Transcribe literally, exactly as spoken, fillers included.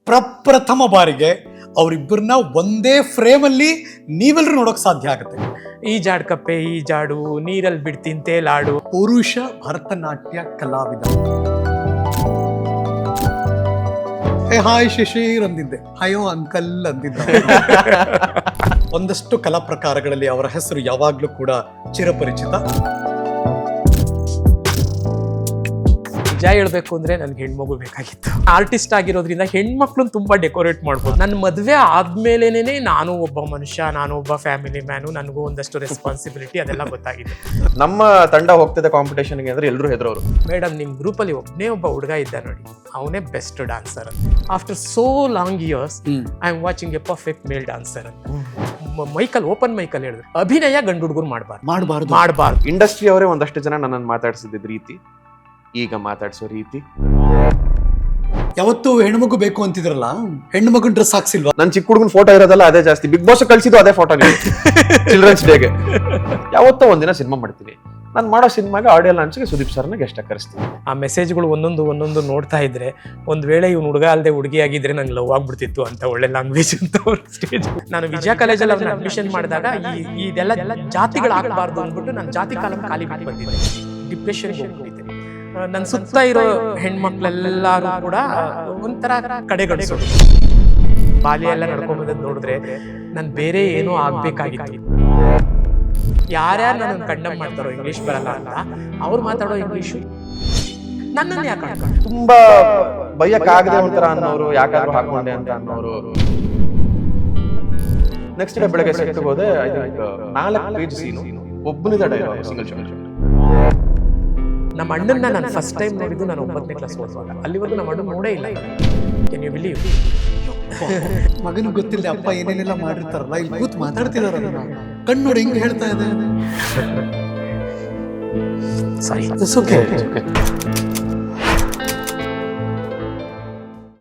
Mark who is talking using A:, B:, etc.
A: ಪ್ರಪ್ರಥಮ ಬಾರಿಗೆ ಅವರಿಬ್ಬರನ್ನ ಒಂದೇ ಫ್ರೇಮಲ್ಲಿ ನೀವೆಲ್ಲರೂ ನೋಡೋಕೆ ಸಾಧ್ಯ ಆಗುತ್ತೆ.
B: ಈ ಜಾಡ್ ಕಪ್ಪೆ ಈ ಜಾಡು ನೀರಲ್ಲಿ ಬಿಡ್ತೀನಿ ತೇಲಾಡು.
A: ಪುರುಷ ಭರತನಾಟ್ಯ ಕಲಾವಿದ. ಏ ಹಾಯ್ ಶಿಶಿರ್ ಅಂದಿದ್ದೆ, ಹಯೋ ಅಂಕಲ್ ಅಂದಿದ್ದ. ಒಂದಷ್ಟು ಕಲಾ ಪ್ರಕಾರಗಳಲ್ಲಿ ಅವರ ಹೆಸರು ಯಾವಾಗ್ಲೂ ಕೂಡ ಚಿರಪರಿಚಿತ.
B: ನಿಜ ಹೇಳ್ಬೇಕು ಅಂದ್ರೆ ನನ್ಗೆ ಹೆಣ್ಮಗು ಬೇಕಾಗಿತ್ತು. ಆರ್ಟಿಸ್ಟ್ ಆಗಿರೋದ್ರಿಂದ ಹೆಣ್ಮಕ್ಳನ್ನ ತುಂಬಾ ಡೆಕೋರೇಟ್ ಮಾಡ್ಬೋದು. ನನ್ನ ಮದ್ವೆ ಆದ್ಮೇಲೆನೆ ನಾನು ಒಬ್ಬ ಮನುಷ್ಯ, ನಾನು ಒಬ್ಬ ಫ್ಯಾಮಿಲಿ ಮ್ಯಾನು, ನನಗೂ ಒಂದಷ್ಟು ರೆಸ್ಪಾನ್ಸಿಬಿಲಿಟಿ ಅದೆಲ್ಲ ಗೊತ್ತಾಗಿದೆ.
C: ನಮ್ಮ ತಂಡ ಹೋಗ್ತಿದ್ದ ಕಾಂಪಿಟೇಷನ್ಗೆ ಅಂದ್ರೆ ಎಲ್ಲರೂ ಹೆದರೋರು.
B: ಮೇಡಮ್ ನಿಮ್ ಗ್ರೂಪ್ ಅಲ್ಲಿ ಒಬ್ಬನೇ ಒಬ್ಬ ಹುಡುಗ ಇದ್ದ ನೋಡಿ, ಅವನೇ best dancer. After so long years I am watching a perfect male dancer ಅಂತ ಮೈಕಲ್ ಓಪನ್ ಮೈಕಲ್ ಹೇಳಿದ್ರು. ಅಭಿನಯ ಗಂಡು ಹುಡುಗರು ಮಾಡಬಾರ್ದು
A: ಮಾಡಬಾರ್ದು
B: ಮಾಡಬಾರ್ದು
C: ಇಂಡಸ್ಟ್ರಿ ಅವರೇ ಒಂದಷ್ಟು ಜನ ನನ್ನನ್ನು ಮಾತಾಡ್ಸಿದ್ದ ರೀತಿ, ಈಗ ಮಾತಾಡ್ಸೋ ರೀತಿ.
A: ಯಾವತ್ತು ಹೆಣ್ಮಗು ಬೇಕು ಅಂತಿದ್ರಲ್ಲ, ಹೆಣ್ಣು ಮಗನ್ ಡ್ರೆಸ್ ಹಾಕ್ಸಿಲ್ವಾ?
C: ನನ್ ಚಿಕ್ಕ ಹುಡುಗನ ಫೋಟೋ ಇರೋದಲ್ಲ ಅದೇ ಜಾಸ್ತಿ. ಬಿಗ್ ಬಾಸ್ ಕಳ್ಸಿದ್ದು ಅದೇ ಫೋಟೋ ಚಿಲ್ಡ್ರನ್ಸ್ ಡೇಗೆ. ಯಾವತ್ತೋ ಒಂದಿನ ಸಿನಿಮಾ ಮಾಡ್ತೀನಿ, ನಾನು ಮಾಡೋ ಸಿನಿಮಾಗೆ ಆಡಿಯೋ ಲಾಂಚ್ಗೆ ಸುದೀಪ್ ಸರ್ನ ಗೆಸ್ಟ್ ಕರೆಸ್ತೀನಿ.
B: ಆ ಮೆಸೇಜ್ಗಳು ಒಂದೊಂದು ಒಂದೊಂದು ನೋಡ್ತಾ ಇದ್ರೆ ಒಂದ್ ವೇಳೆ ಇವ್ನು ಹುಡುಗ ಅಲ್ಲದೆ ಹುಡುಗಿ ಆಗಿದ್ರೆ ನಂಗೆ ಲವ್ ಆಗ್ಬಿಡ್ತಿತ್ತು ಅಂತ ಒಳ್ಳೆ ಲ್ಯಾಂಗ್ವೇಜ್ ಅಂತ ಸ್ಟೇಜ್. ನಾನು ವಿಜಯ ಕಾಲೇಜಲ್ಲಿ ಅವ್ರನ್ನ ಅಡ್ಮಿಷನ್ ಮಾಡಿದಾಗ ಈ ಇದೆಲ್ಲ ಜಾತಿಗಳು ಆಗಬಾರ್ದು ಅಂದ್ಬಿಟ್ಟು ನಾನು ಜಾತಿ ಕಾಲಂ ಖಾಲಿ ಬಿಟ್ಟು ಬಂದಿದ್ದೆ. ಡಿಪ್ರೆಷನ್ ಹೋಗ್ಬಿಟ್ಟಿದ್ದೆ. ನನ್ನ ಸುತ್ತ ಇರೋ ಹೆಣ್ಮಕ್ಳೆಲ್ಲರೂ ಕೂಡ ಒಂಥರ ಕಡೆಗಣಿಸೋದು. ಬಾಲ್ಯ ಎಲ್ಲ ನಡ್ಕೊಂಬಂದ್ ನೋಡಿದ್ರೆ ನನ್ ಬೇರೆ ಏನೋ ಆಗ್ಬೇಕಾಗಿತ್ತು. ಯಾರ್ಯಾರು ನನ್ನ ಕಂಡಮ್ ಮಾಡ್ತಾರೋ ಇಂಗ್ಲಿಷ್ ಬರಲ್ಲ ಅಂತ, ಅವ್ರು ಮಾತಾಡೋ ಇಂಗ್ಲಿಷು ನನ್ನನ್ನು ಯಾಕೆ ಹಾಕೊಂಡು
C: ತುಂಬಾ ಬೈಯಕ್ಕಾಗದೆ ಒಂಥರ ಅನ್ನೋರು, ಯಾಕಾದ್ರೂ ಹಾಕೊಂಡೆ ಅಂತ ಅನ್ನೋರು. ನೆಕ್ಸ್ಟ್ ಡೇ ಬೆಳಗ್ಗೆ ಸೆಟ್ಗೆ ಹೋದೆ. ಐ ಥಿಂಕ್ ನಾಲ್ಕು ಪೇಜ್ ಸೀನು, ಒಬ್ಬನಿದ ಡೈಲಾಗ್, ಸಿಂಗಲ್ ಶಾಟ್.
B: ನಮ್ಮ ಅಣ್ಣನ್ನ ನಾನು ಫಸ್ಟ್ ಟೈಮ್ ನೋಡಿದ್ದು ನಾನು ಒಂಬತ್ತನೇ ಕ್ಲಾಸ್ ಓದುವಾಗ. ಅಲ್ಲಿವರೆಗೂ ನಮ್ಮ ಅಣ್ಣ ನೋಡೇ ಇಲ್ಲ. Can you believe?
A: ಮಗನಿಗೆ ಗೊತ್ತಿಲ್ಲ ಅಪ್ಪ ಏನೇನೆಲ್ಲ ಮಾಡಿರ್ತಾರಲ್ಲ, ಇಲ್ಲಿ ಕೂತ್ ಮಾತಾಡ್ತಿದಾರ, ಕಣ್ಣು ನೋಡಿ ಹೆಂಗ್ ಹೇಳ್ತಾ ಇದೆ.
B: ಸಾರಿ.
A: It's okay.